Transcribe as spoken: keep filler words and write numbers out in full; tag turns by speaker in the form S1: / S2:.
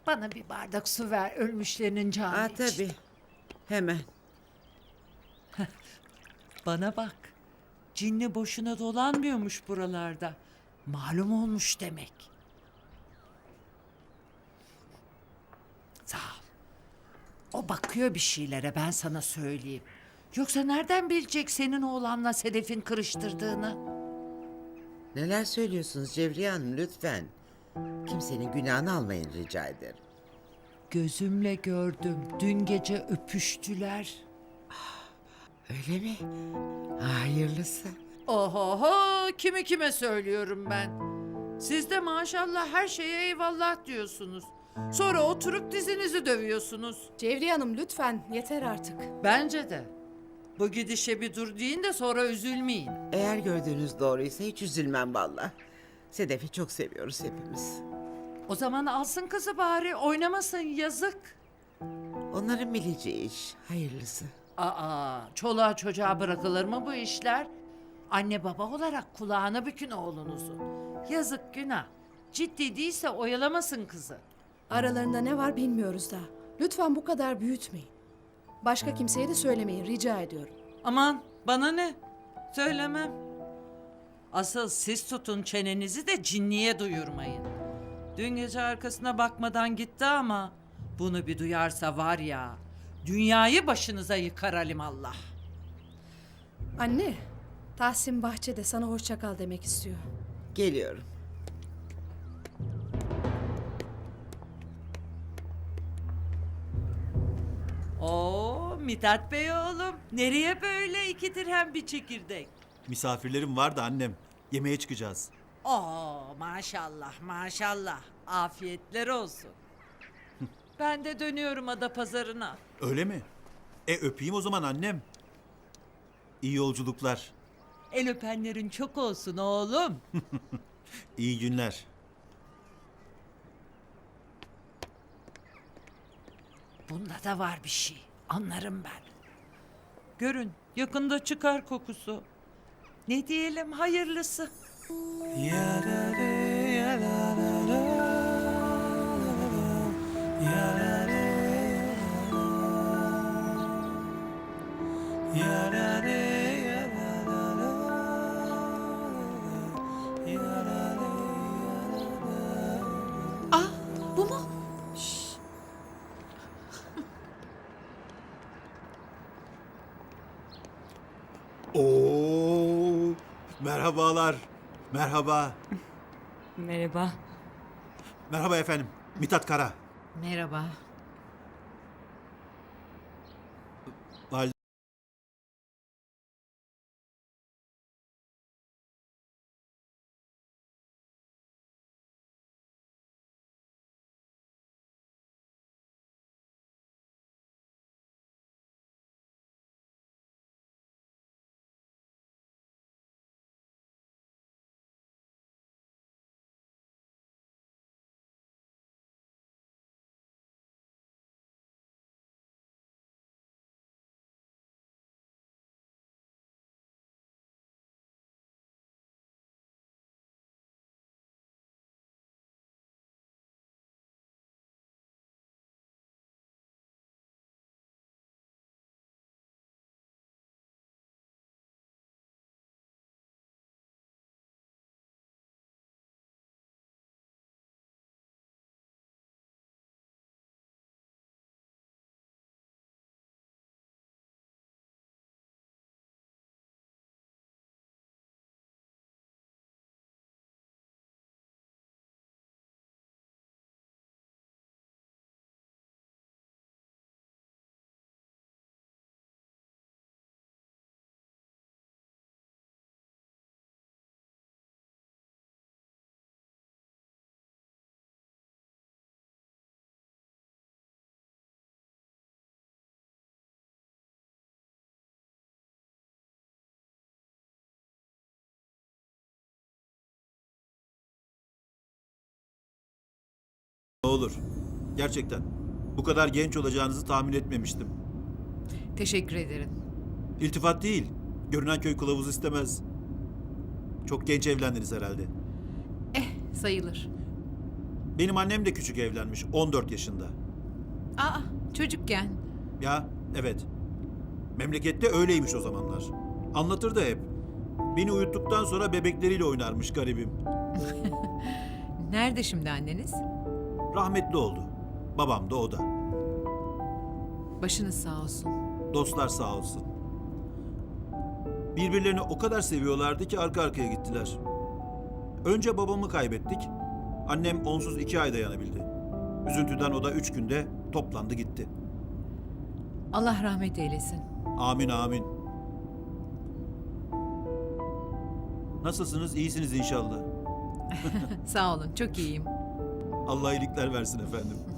S1: Bana bir bardak su ver ölmüşlerinin canı
S2: Aa,
S1: için.
S2: tabii. Hemen.
S1: Bana bak. Cinli boşuna dolanmıyormuş buralarda. Malum olmuş demek. Sağ ol. O bakıyor bir şeylere, ben sana söyleyeyim. Yoksa nereden bilecek senin oğlanla Sedef'in kırıştırdığını?
S2: Neler söylüyorsunuz Cevriye Hanım lütfen. Kimsenin günahını almayın rica ederim.
S1: Gözümle gördüm. Dün gece öpüştüler.
S2: Öyle mi? Hayırlısı.
S1: Ohoho, kimi kime söylüyorum ben. Siz de maşallah her şeye eyvallah diyorsunuz. Sonra oturup dizinizi dövüyorsunuz.
S3: Cevriye Hanım lütfen yeter artık.
S1: Bence de. Bu gidişe bir dur deyin de sonra üzülmeyin.
S2: Eğer gördüğünüz doğruysa hiç üzülmem valla. Sedef'i çok seviyoruz hepimiz.
S1: O zaman alsın kızı bari, oynamasın, yazık.
S2: Onların bileceği iş. Hayırlısı.
S1: Aa, çoluğa çocuğa bırakılır mı bu işler? Anne baba olarak kulağına bükün oğlunuzun. Yazık, günah. Ciddi değilse oyalamasın kızı.
S3: Aralarında ne var bilmiyoruz daha. Lütfen bu kadar büyütmeyin. Başka kimseye de söylemeyin rica ediyorum.
S1: Aman bana ne? Söylemem. Asıl siz tutun çenenizi de cinniye duyurmayın. Dün gece arkasına bakmadan gitti ama bunu bir duyarsa var ya, dünyayı başınıza yıkar alimallah.
S3: Anne, Tahsin bahçede sana hoşça kal demek istiyor.
S2: Geliyorum.
S1: Oo Mithat Bey oğlum, nereye böyle iki dirhem bir çekirdek?
S4: Misafirlerim var da annem. Yemeğe çıkacağız.
S1: Oo maşallah maşallah, afiyetler olsun. Ben de dönüyorum ada pazarına.
S4: Öyle mi? E öpeyim o zaman annem. İyi yolculuklar.
S1: El öpenlerin çok olsun oğlum.
S4: İyi günler.
S1: Bunda da var bir şey. Anlarım ben. Görün yakında çıkar kokusu. Ne diyelim hayırlısı.
S3: Bu mu?
S4: Oo! Merhabalar. Merhaba.
S5: Merhaba.
S4: Merhaba efendim. Mithat Kara.
S1: Merhaba.
S4: Valide ne olur. Gerçekten. Bu kadar genç olacağınızı tahmin etmemiştim.
S1: Teşekkür ederim.
S4: İltifat değil. Görünen köy kılavuz istemez. Çok genç evlendiniz herhalde.
S1: Eh sayılır.
S4: Benim annem de küçük evlenmiş, on dört yaşında.
S6: Aa, çocukken.
S4: Ya, evet. Memlekette öyleymiş o zamanlar. Anlatırdı hep. Beni uyuttuktan sonra bebekleriyle oynarmış garibim.
S6: Nerede şimdi anneniz?
S4: Rahmetli oldu. Babam da o da.
S6: Başınız sağ olsun.
S4: Dostlar sağ olsun. Birbirlerini o kadar seviyorlardı ki arka arkaya gittiler. Önce babamı kaybettik. Annem onsuz iki ay dayanabildi. Üzüntüden o da üç günde toplandı gitti.
S6: Allah rahmet eylesin.
S4: Amin amin. Nasılsınız? İyisiniz inşallah.
S6: Sağ olun, çok iyiyim.
S4: Allah iyilikler versin efendim.